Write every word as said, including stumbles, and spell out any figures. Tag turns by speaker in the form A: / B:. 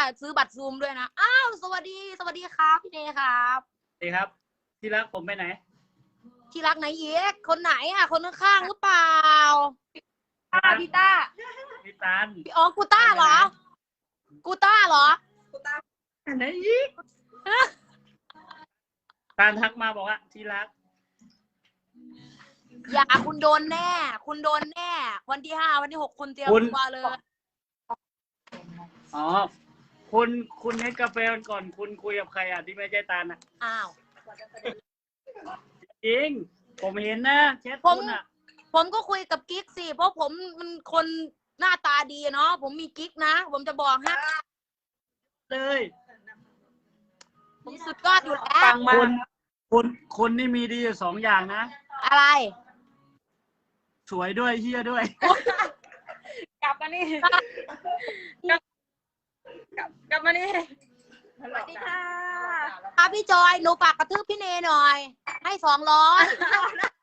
A: ซื้อบัตรซูมด้วยนะอ้าวสวัสดีสวัสดีครับพี่เนครับ
B: สวัสดีครับที่รักผมไปไหน
A: ที่รักไหนเย็กคนไหนอ่ะคนข้างๆหรือเปล่าต้าพี่ต้า
B: พี่ตัน
A: พี่อ๋อกูต้าเหรอกูต้าเหรอ
B: กูต้าไหนอีกตันทักมาบอกว่าที่รัก
A: อย่าคุณโดนแน่คุณโดนแน่วันที่ห้าวันที่หกคุณเตรียมตัวเลย
B: อ๋อคุณคุณให้กาแฟก่อนคุณคุยกับใครอ่ะที่ไม่ใช่ตันอ่ะ
A: อ้าว
B: จริงผมเห็นนะแชทคุณอ่ะ
A: ผมก็คุยกับกิ๊กสิเพราะผมมันคนหน้าตาดีเนาะผมมีกิ๊กนะผมจะบอกให้
B: เลย
A: ผมสุดยอดอยู่แล้ว
B: คุณคุณคุณนี่มีดีอยู่สองอย่างนะ
A: อะไร
B: สวยด้วยเฮี้ยด้วย
A: กลับมานี่กลับกลับมานี่สวัสดีค่ะค่ะพี่จอยหนูฝากกระทืบพี่เนหน่อยให้สองร้อย